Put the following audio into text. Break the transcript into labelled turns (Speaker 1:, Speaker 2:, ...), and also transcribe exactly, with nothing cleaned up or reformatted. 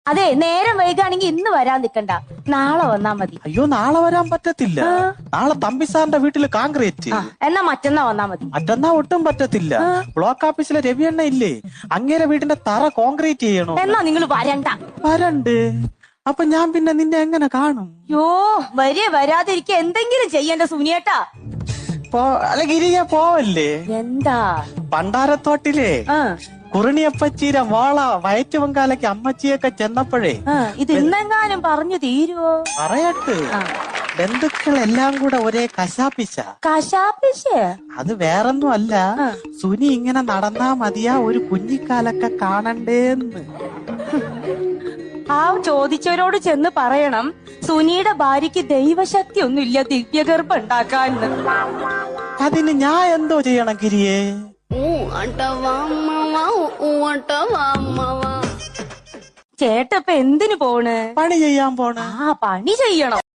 Speaker 1: അതെ, നേരം വൈകാണെങ്കിൽ ഇന്ന് വരാൻ നിക്കണ്ട, നാളെ വന്നാ മതി.
Speaker 2: അയ്യോ, നാളെ വരാൻ പറ്റത്തില്ല. നാളെ തമ്പി സാറിന്റെ വീട്ടില് കോൺക്രീറ്റ്.
Speaker 1: എന്നാ മറ്റന്നാ വന്നാ മതി.
Speaker 2: മറ്റന്നാ ഒട്ടും പറ്റത്തില്ല. ബ്ലോക്ക് ഓഫീസിലെ രവിയണ്ണ ഇല്ലേ, അങ്ങേരെ വീടിന്റെ തറ കോൺക്രീറ്റ് ചെയ്യണോ.
Speaker 1: എന്നാ നിങ്ങൾ വരണ്ട.
Speaker 2: വരണ്ട്. അപ്പൊ ഞാൻ പിന്നെ നിന്നെ എങ്ങനെ കാണും?
Speaker 1: യോ, വരെ വരാതിരിക്കുക എന്തെങ്കിലും ചെയ്യണ്ട സുനിയേട്ടാ.
Speaker 2: അല്ല ഗിരിജ, പോവല്ലേ?
Speaker 1: എന്താ?
Speaker 2: പണ്ടാരത്തോട്ടിലെ കുറിണിയപ്പച്ചീരെ മോള വയറ്റുവങ്കാലയ്ക്ക് അമ്മച്ചിയൊക്കെ ചെന്നപ്പോഴേ
Speaker 1: ഇത് ഇന്നെങ്ങാനും പറഞ്ഞു തീരുവോ?
Speaker 2: പറയട്ട്, ബന്ധുക്കളെല്ലാം കൂടെ ഒരേ കശാപ്പിശ.
Speaker 1: കശാപ്പിശ?
Speaker 2: അത് വേറൊന്നും അല്ല, സുനി ഇങ്ങനെ നടന്നാ മതിയാ ഒരു കുഞ്ഞിക്കാലൊക്കെ കാണണ്ടേന്ന്.
Speaker 1: ആ ചോദിച്ചവരോട് ചെന്ന് പറയണം, സുനിയുടെ ഭാര്യക്ക് ദൈവശക്തി ഒന്നുമില്ല ദിവ്യഗർഭം ഉണ്ടാക്കാൻ.
Speaker 2: അതിന് ഞാൻ എന്തോ ചെയ്യണം ഗിരിയേ?
Speaker 1: ചേട്ടപ്പ എന്തിനു പോണ്?
Speaker 2: പണി ചെയ്യാൻ പോണ.
Speaker 1: ആ, പണി ചെയ്യണം.